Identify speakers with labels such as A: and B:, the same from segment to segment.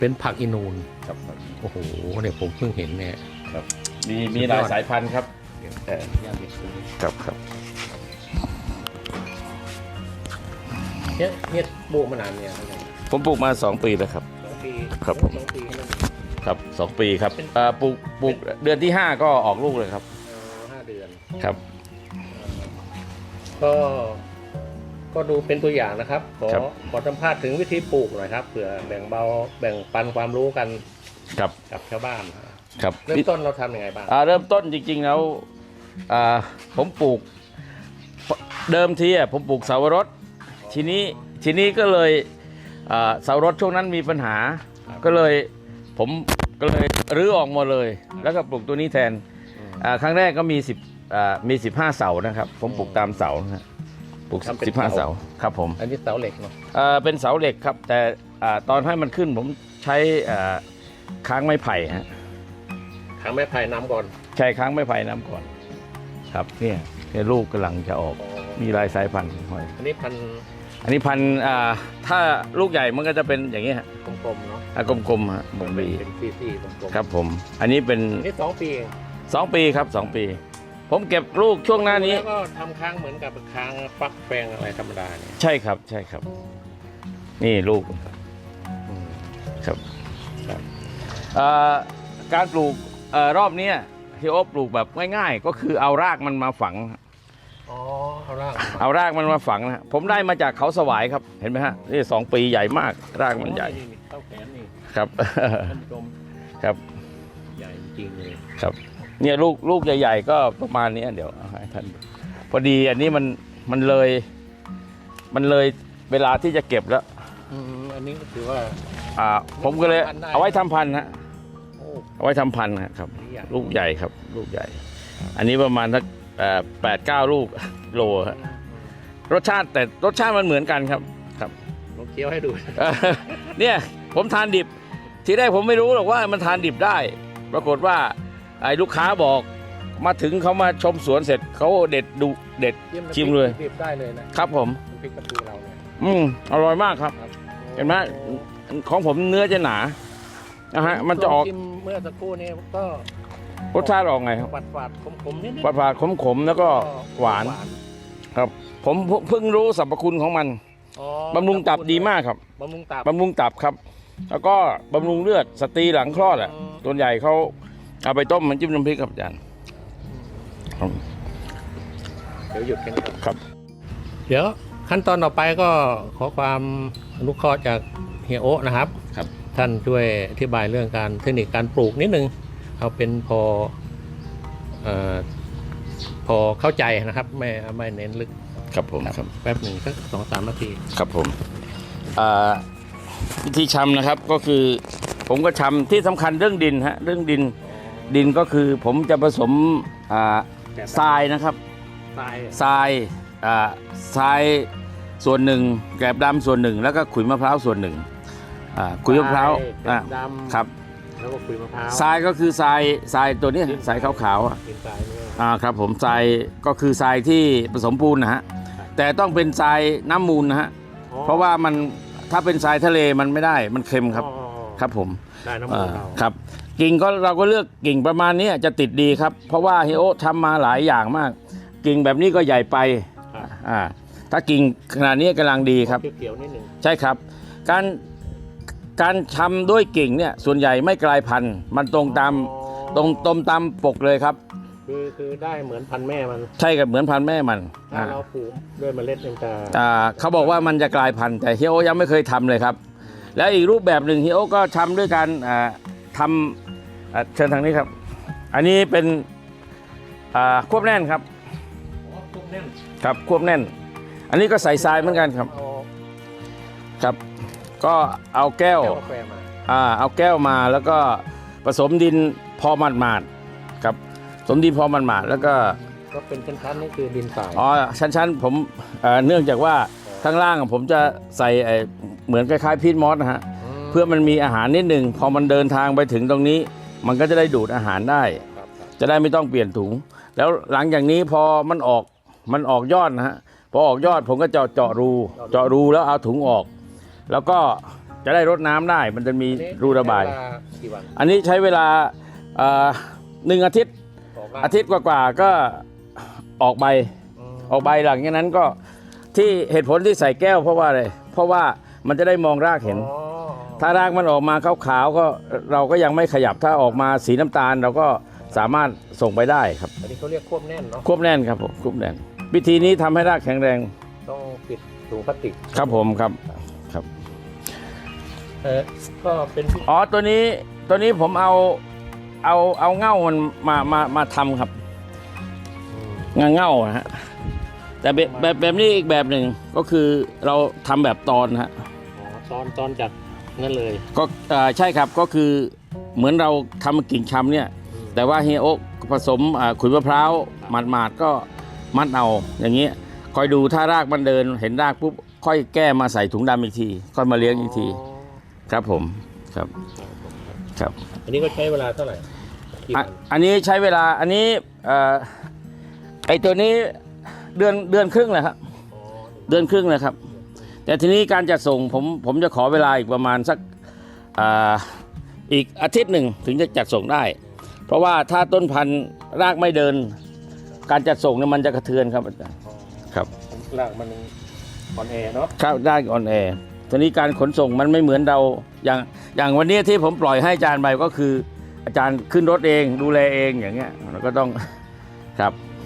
A: เป็นผักอินูน
B: ครับ
A: โอ้โหเนี่ยผมเพิ่งเห็นเนี่ย
B: ครับมีหลายสายพันธุ์ครับ
A: ย่าเห็ดตรงนี้
B: ครับ
A: เนี่ยปลูกมานานเนี่ยเท่าไหร่
B: ผมปลูกมา2 ปีแล้วครับ
A: 2 ปี
B: ครับผม
A: 2 ปีนั่น
B: ครับ2 ปีครับปลูกเดือนที่ 5 ก็ออกลูกเลยครับ
A: 5 เดือน
B: ครับ
A: ก็ดูเป็นตัวอย่างนะครับ
B: ครับ
A: ขอสัมภาษณ์ถึงวิธีปลูกหน่อยครับเผื่อแบ่งปันความรู้กัน
B: ครับ
A: กับชาวบ้าน
B: ครับ
A: เริ่มต้นเราทำยังไงบ้าง
B: เริ่มต้นจริงๆแล้วผมปลูกเดิมทีผมปลูกเสาวรสทีนี้ก็เลยเสาวรสช่วงนั้นมีปัญหาก็เลยผมก็เลยรื้อออกหมดเลย แล้วก็ปลูกตัวนี้แทนครั้งแรกก็มี15 เสานะครับผมปลูกตามเสานะปลูก15 เสาครับผม
A: อันนี้เสาเหล็กเนาะ
B: เป็นเสาเหล็กครับแต่ตอนให้มันขึ้นผมใช้ค้างไม้ไผ่ฮะ
A: ขังไม้ไผ่น้ำก่อน
B: ใช่ค้างไม้ไผ่น้ำก่อนครับเนี่ยลูกกำลังจะออกมีหลายสายพันธุ์หอย
A: อันนี้พัน
B: อันนี้พันธุ์ถ้าลูกใหญ่มันก็จะเป็นอย่างนี้ฮะ
A: กลมๆเนาะ
B: กลมๆฮะบงบี
A: เป็นซี่ๆกลมๆ
B: ครับผมอันนี้เป็น
A: อันนี้2 ปีเอง
B: 2 ปีครับ2 ปี ผมเก็บลูกช่วงหน้านี้
A: แล้วก็ทำค้างเหมือนกับค้างฟักแฟงอะไรธรรมดาเนี่ย
B: ใช่ครับใช่ครับ นี่ลูกครับการปลูกรอบนี้ที่โอ๊บปลูกแบบง่ายๆ ก็คือเอารากมันมาฝัง
A: อ๋อเอาราก
B: เอารากมันมาฝังนะผมได้มาจากเขาสวายครับเห็นไหมฮะนี่2 ปีใหญ่มากรากมันใหญ่
A: นี่เท่าแขนนี่
B: ครับ
A: ท่านผู้ชม
B: ครับ
A: ใหญ่จริงเลย
B: ครับเนี่ยลูกใหญ่ๆก็ประมาณนี้เดี๋ยวเอาให้ท่านพอดีอันนี้มันเลยเวลาที่จะเก็บแล้ว
A: อันนี้ก็ถือว่า
B: ผมก็เลย
A: ทำพันธุ์ได้
B: เอาไว้ทำพันธุ์ฮะ
A: โอ้
B: เอาไว้ทำพันธุ์ครับ
A: ใหญ่
B: ลูกใหญ่ครับลูกใหญ่ อันนี้ประมาณสัก8-9 ลูกโลฮะรสชาติมันเหมือนกันครับครับ
A: ผมเคี้ยวให้ดู
B: เนี่ยผมทานดิบทีแรกผมไม่รู้หรอกว่ามันทานดิบได้ ปรากฏว่าไอ้ลูกค้าบอกมาถึงเขามาชมสวนเสร็จเขาเด็ดชิมเลย
A: รีบได้เลยนะครับ
B: ผม
A: น้ำพริกกะปิเราเนี่ย
B: อร่อยมากครับ เห็นไหมของผมเนื้อจะหนานะฮะมันจะออก
A: ชิมเมื่อสักครู่นี้ก็
B: รสชาติออกไงครับ
A: หวานขมๆนิด
B: หวานขมๆแล้วก็หวานครับ ผมเพิ่งรู้สรรพคุณของมัน
A: อ๋อบ
B: ำรุงตับดีมากครับ
A: บำรุงตับ
B: บำรุงตับครับ แล้วก็บำรุงเลือดสตรีหลังคลอดอ่ะส่วนใหญ่เขาเอาไปต้มมันจิ้มน้ำพริกครับอาจารย์
A: เดี๋ยวหยุดกันก่อน
B: ครับ
A: เดี๋ยวขั้นตอนต่อไปก็ขอความอนุเคราะห์จากเฮียโอะนะครับ
B: ครับ
A: ท่านช่วยอธิบายเรื่องการเทคนิคการปลูกนิดนึงเอาเป็นพอเข้าใจนะครับไม่เน้นลึก
B: ครับผมครับ
A: แป๊บหนึ่งสัก2-3 นาที
B: ครับผมวิธีชำนะครับก็คือผมก็ชำที่สำคัญเรื่องดินฮะเรื่องดินก็คือผมจะผสมทรายนะครับ
A: ตาย
B: ทรายส่วนหนึ่งแกลบดำส่วนหนึ่งแล้วก็ขุยมะพร้าวส่วนหนึ่งขุยมะพร้าว
A: ดำ
B: ครับ
A: แล้วก็ขุยมะพร้าว
B: ทรายก็คือทรายตัวนี้ทรายขาวๆ
A: กินทรายเนี่ย
B: ครับผมทรายก็คือทรายที่ผสมปูนนะฮะแต่ต้องเป็นทรายน้ำมูลนะฮะเพราะว่ามันถ้าเป็นทรายทะเลมันไม่ได้มันเค็มครับ
A: อ๋อ
B: ครับผม
A: ได้น้ำมันเรา
B: ครับกิ่งก็เราก็เลือกกิ่งประมาณนี้จะติดดีครับ เพราะว่าเฮโอทำมาหลายอย่างมาก กิ่งแบบนี้ก็ใหญ่ไป
A: ครับ
B: ถ้ากิ่งขนาดนี้กำลังดีครับ
A: เขียวๆนิดหนึ่ง
B: ใช่ครับการทำด้วยกิ่งเนี่ยส่วนใหญ่ไม่กลายพันธุ์มันตรงตามปกเลยครับ
A: คือได้เหมือนพันธุ์แม่มัน
B: ใช่กับเหมือนพันธุ์แม่มัน
A: ถ้าเราปลูกด้วยเมล็ดมันจะ
B: เขาบอกว่ามันจะกลายพันธุ์แต่เฮียโอยังไม่เคยทำเลยครับ แล้วอีกรูปแบบหนึ่งเฮียโอก็ทำด้วยการทำเชิญทางนี้ครับ อันนี้เป็นควบแน่นครับ
A: ปลูกแน่น
B: ครับควบแน่น อันนี้ก็ใส่ทรายเหมือนกันครับ
A: เอา
B: ครับ ก็เอาแก้ว
A: กาแฟมา
B: เอาแก้วมาแล้วก็ผสมดินพอหมาดๆครับผสมดินพอหมาดๆแล้วก็
A: ก็เป็นชั้นๆนี่คือดินทราย
B: ชั้นผมเนื่องจากว่าข้างล่างผมจะใส่เหมือนคล้ายๆพีทมอสนะฮะเพื่อมันมีอาหารนิดหนึ่งพอมันเดินทางไปถึงตรงนี้ มันก็จะได้ดูดอาหารได้
A: ครับ
B: จะได้ไม่ต้องเปลี่ยนถุง แล้วหลังจากนี้พอมันออกยอดนะฮะพอออกยอดผมก็เจาะรูแล้วเอาถุงออก แล้วก็จะได้รดน้ำได้ มันจะมีรูระบาย
A: ใช้เวลกี่วัน
B: อันนี้ใช้เวลา1 อาทิตย์
A: บอกว่า
B: อาทิตย์กว่าๆก็ออกใบ ออกใบหลังจากนั้นก็ที่เหตุผลที่ใส่แก้วเพราะว่าอะไรเพราะว่ามันจะได้มองรากเห็น
A: อ๋อ
B: ถ้ารากมันออกมาขาวๆก็เราก็ยังไม่ขยับถ้าออกมาสีน้ำตาลเราก็สามารถส่งไปได้ครับ
A: อันนี้เขาเรียกควบแน่นเนาะ
B: ควบแน่นครับผมควบแน่นวิธีนี้ทำให้รากแข็งแรง
A: ต้องปิดถุงพลาสติก
B: ครับผมครับ
A: ก็เป็น
B: อ๋อตัวนี้ผมเอาเง่ามันมาทำครับเง่าฮะแต่แบบนี้อีกแบบหนึ่งก็คือเราทำแบบตอนฮะ
A: ตอนจากนั่นเลย
B: ก็ใช่ครับก็คือเหมือนเราทำกิ่งชำเนี่ยแต่ว่าเฮียโอ๊กผสมขุยมะพร้าวหมาดๆก็มัดเอาอย่างเงี้ยคอยดูถ้ารากมันเดินเห็นรากปุ๊บค่อยแก้มาใส่ถุงดำอีกทีค่อยมาเลี้ยงอีกทีครับผมครับ
A: อันนี้ก็ใช้เวลาเท่าไหร่กี่วัน
B: อันนี้ใช้เวลาอันนี้ไอตัวนี้เดือนครึ่งเลยครับ
A: อ๋อ
B: เดือนครึ่งเลยครับ แต่ทีนี้การจัดส่งผมจะขอเวลาอีกประมาณสักอีกอาทิตย์หนึ่งถึงจะจัดส่งได้ เพราะว่าถ้าต้นพันธุ์รากไม่เดิน การจัดส่งเนี่ยมันจะกระเทือนครับอาจารย์ครับ
A: รากมันอ่อนแอเนาะ
B: ครับได้ออนแอร์ทีนี้การขนส่งมันไม่เหมือนเราอย่างวันนี้ที่ผมปล่อยให้อาจารย์ไปก็คืออาจารย์ขึ้นรถเองดูแลเองอย่างเงี้ยเราก็ต้องครับ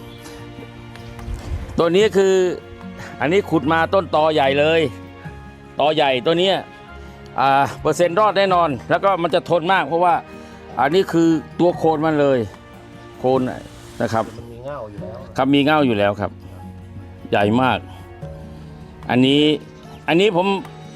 B: ตัวนี้คืออันนี้ขุดมาต้นตอใหญ่เลยตอใหญ่ตัวนี้เปอร์เซ็นต์รอดแน่นอน แล้วก็มันจะทนมากเพราะว่าอันนี้คือตัวโคนมันเลยโคนนะครับ
A: มันมีเง่าอยู่แล้ว
B: ครับมีเง่าอยู่แล้วครับ ใหญ่มาก อันนี้ผม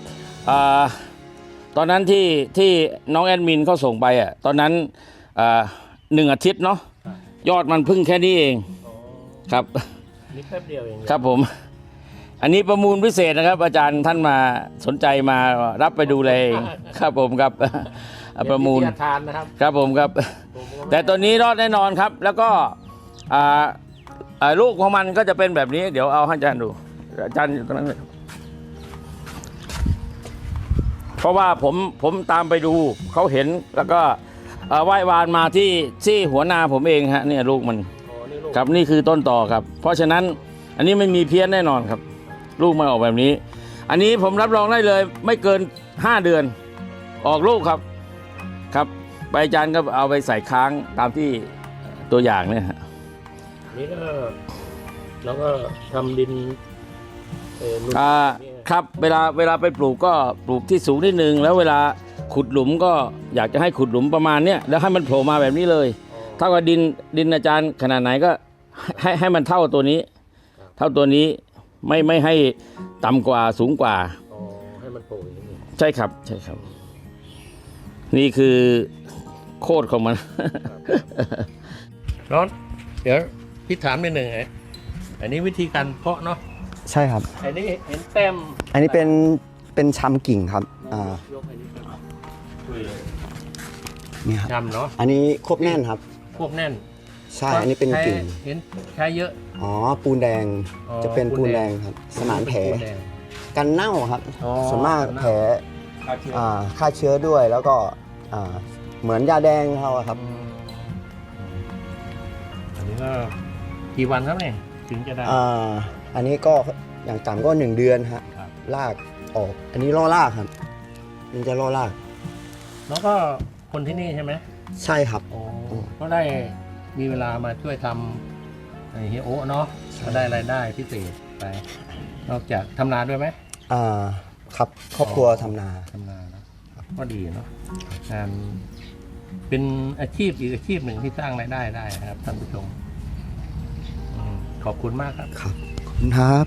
B: ตอนนั้นที่น้องแอดมินเขาส่งไปตอนนั้น1 อาทิตย์เนาะยอดมันพึ่งแค่นี้เองครับ
A: นี่แป๊บเดียวเอง
B: ครับผม อันนี้ประมูลพิเศษนะครับ อาจารย์ท่านมาสนใจมารับไปดูแลเองครับผมครับประมูล
A: ทานนะครับ
B: ครับผมครับ แต่ตัวนี้รอดแน่นอนครับ แล้วก็ลูกของมันก็จะเป็นแบบนี้ เดี๋ยวเอาให้อาจารย์ดูอาจารย์อยู่ตรงนั้นเลยเพราะว่าผมตามไปดูเขาเห็นแล้วก็ไหว้วานมาที่หัวนาผมเองฮะเนี่ยลูกมัน
A: อ๋อนี่ลูก
B: ครับนี่คือต้นต่อครับ เพราะฉะนั้นอันนี้ไม่มีเพี้ยนแน่นอนครับ ลูกมันออกแบบนี้ อันนี้ผมรับรองได้เลยไม่เกิน5 เดือน ออกลูกครับครับใบอาจารย์ก็เอาไปใส่ค้างตามที่ตัวอย่างเนี่ยฮะ
A: นี่ก็เราก็ทำดินนุ่น
B: ครับเวลาไปปลูกก็ปลูกที่สูงนิดนึงแล้วเวลาขุดหลุมก็อยากจะให้ขุดหลุมประมาณเนี้ยแล้วให้มันโผล่มาแบบนี้เลยเท่ากับดินอาจารย์ขนาดไหนก็ให้มันเท่าตัวนี้ เท่าตัวนี้ไม่ให้ต่ำกว่าสูงกว่า
A: อ๋อให้มันโผล่อย่างนี้
B: ใช่ครับใช่ครับ นี่คือโคตรของมัน
A: ร้อนเดี๋ยวพี่ถามนิดหนึ่งอันนี้วิธีการเพาะเนาะ
C: ใช่ครับ
A: อันนี้เห็นแต้ม
C: อันนี้เป็นชำกิ่งครับ
A: ยกอันนี้ครับคุยเลย
C: นี่ครับ
A: ทำเนาะ
C: อันนี้ควบแน่นครับ
A: ควบแน่น
C: ใช่ อันนี้เป็นกิ่ง
A: เห็นใช้เยอะ
C: อ๋อ ปูนแดง
A: อ๋อ
C: จะเป็น
A: ปู
C: ปู
A: น
C: น
A: แด
C: แด
A: ง
C: งครับ สมานแผล
A: ปูนแดง
C: กันเน่าครับ
A: อ๋อ
C: ส่วนมาก
A: กันเน่า
C: แผลฆ่าเชื้อด้วย แล้วก็เหมือนยาแดงเขาอะครับ
A: อันนี้ก็กี่วันครับเนี่ยถึงจะได้
C: อันนี้ก็อย่างต่ำก็1 เดือนฮะ
A: ครับ
C: รากออก อันนี้ล่อรากครับมันจะล่อราก
A: แล้วก็คนที่นี่ใช่ไหม
C: ใช่ครับ
A: โอ้ก็ได้มีเวลามาช่วยทำเฮียโอะเนาะก็ได้รายได้พิเศษไป นอกจากทำนาด้วยไหม
C: ครับครอบครัวทำนา
A: ทำนาเนอะก็ดีเนาะงานเป็นอาชีพอีกอาชีพหนึ่งที่สร้างรายได้ได้นะครับท่านผู้ชมขอบคุณมากครับ
C: ครับขอบคุณครับ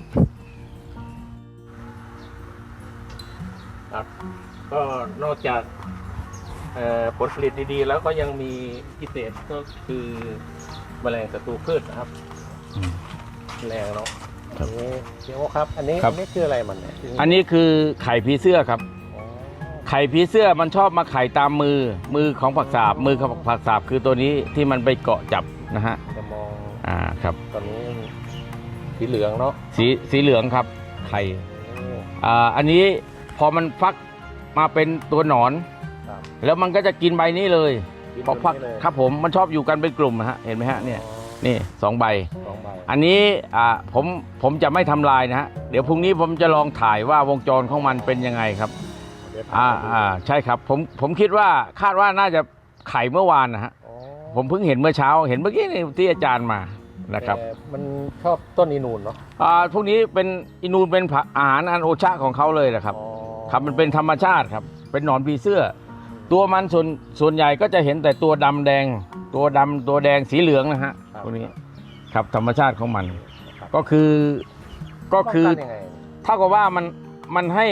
A: ครับ ก็นอกจากผลผลิตดีๆ แล้วก็ยังมีพิเศษก็คือแมลงศัตรูพืชนะครับแมลงเนาะอันนี้เดี๋ยวครับ อันนี้
B: ครับ
A: อันนี้คืออะไรมันเนี่ย
B: อันนี้คือไข่ผีเสื้อครับ
A: อ๋อ
B: ไข่ผีเสื้อมันชอบมาไข่ตามมือของผักสาบมือของผักสาบคือตัวนี้ที่มันไปเกาะจับนะฮะ
A: จะมอง
B: ครับ
A: ตอนนี้สีเหลืองเนาะ
B: สีเหลืองครับไข่
A: โอ้
B: อันนี้พอมันฟักมาเป็นตัวหนอน
A: ครับ
B: แล้วมันก็จะกินใบนี้เลย
A: กิน
B: พอพัก
A: แบบนี้เลย
B: ครับผมมันชอบอยู่กันเป็นกลุ่มนะฮะเห็นไหมฮะเนี่ย
A: อ๋อ
B: นี่2 ใบ
A: 2 ใบ
B: อันนี้ผมจะไม่ทำลายนะฮะเดี๋ยวพรุ่งนี้ผมจะลองถ่ายว่าวงจรของมันเป็นยังไงครับ
A: เดี๋ยวพาไปดู
B: ใช่ครับผมคิดว่าคาดว่าน่าจะไข่เมื่อวานนะฮะ
A: อ๋อ
B: ผมเพิ่งเห็นเมื่อเช้าเห็นเมื่อกี้นี่ที่อาจารย์มานะครับ
A: แต่มันชอบต้นอีนูนเนาะ
B: พวกนี้เป็นอินูนเป็นอาหารอันโอชะของเขาเลยนะครับ
A: อ๋อ
B: ครับมันเป็นธรรมชาติครับเป็นหนอนผีเสื้อ ตัวมันส่วนใหญ่ก็จะเห็นแต่ตัวดำแดง ตัวดำตัวแดงสีเหลืองนะฮะพวกนี้ครับธรรมชาติของมัน
A: ครับ
B: ก็คือ
A: ป้งนยังไง
B: เท่ากับว่ามันให้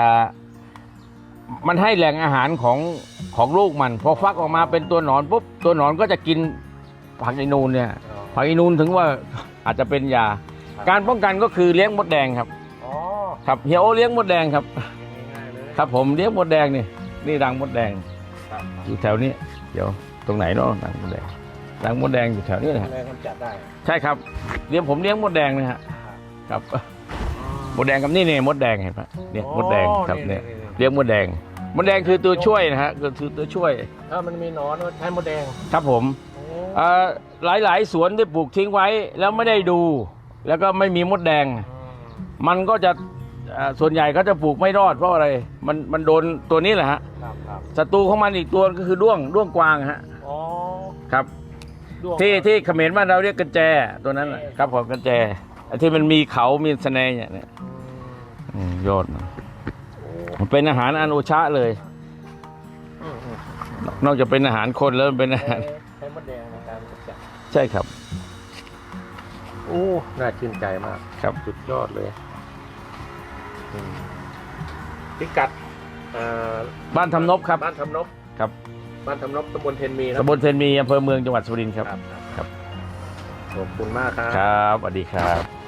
B: มันให้แหล่งอาหารของลูกมันพอฟักออกมาเป็นตัวหนอนปุ๊บตัวหนอนก็จะกินผักอีนูนเนี่ย
A: อ๋อ
B: ผักอีนูนถึงว่าอาจจะเป็นยา
A: ครับ
B: การป้องกันก็คือเลี้ยงมดแดงครับ
A: อ๋อ
B: ครับเฮียโอเลี้ยงมดแดงครับ
A: ง่ายๆเลย
B: ครับผมเลี้ยงมดแดงนี่รังมดแดง
A: ครับ
B: อยู่แถวนี้เดี๋ยวตรงไหนเนาะรังมดแดงรังมดแดงอยู่แถวนี้นะฮะ
A: แรงกำจัดได้
B: ใช่ครับผมเลี้ยงมดแดงนะฮะครับมดแดงกับนี่มดแดงเห็นปะเนี่ยมดแดงครับเนี่ยเลี้ยงมดแดงมดแดงคือตัวช่วยนะฮะคือตัวช่วย
A: ถ้ามันมีหนอนก็ใช้มดแดง
B: ครับผม
A: โอ้
B: หลายสวนที่ปลูกทิ้งไว้แล้วไม่ได้ดู แล้วก็ไม่มีมดแดง มันก็จะส่วนใหญ่ก็จะปลูกไม่รอดเพราะอะไรมันโดนตัวนี้แหละฮะ
A: ครับ
B: ศัตรูของมันอีกตัวก็คือด้วงกวางฮะ
A: อ๋อ
B: ครับ
A: ด้วง
B: ที่เขมรบ้านเราเรียกกระแจตัวนั้นน่ะครับผมกระแจไอ้ที่มันมีเขามีสะแนเนี่ยยอดนะมันเป็นอาหารอันโอชะเลย
A: อืม
B: นอกจากเป็นอาหารคนแล้วมันเป็นอาหาร
A: ใช้มดแดงในการกำจัด
B: ใช่ครับ
A: โอ้น่าชื่นใจมาก
B: ครับ
A: สุดยอดเลยพิกัดเอ่อ
B: บ้านทำนบครับ
A: บ้านทำนบ
B: ครับ
A: บ้านทำนบตำบลเทนมีนะ
B: ตำบลเทนมีอำเภอเมืองจังหวัดสุรินทร์ครับ
A: ขอบคุณมากครับ
B: ครับสวัสดีครับ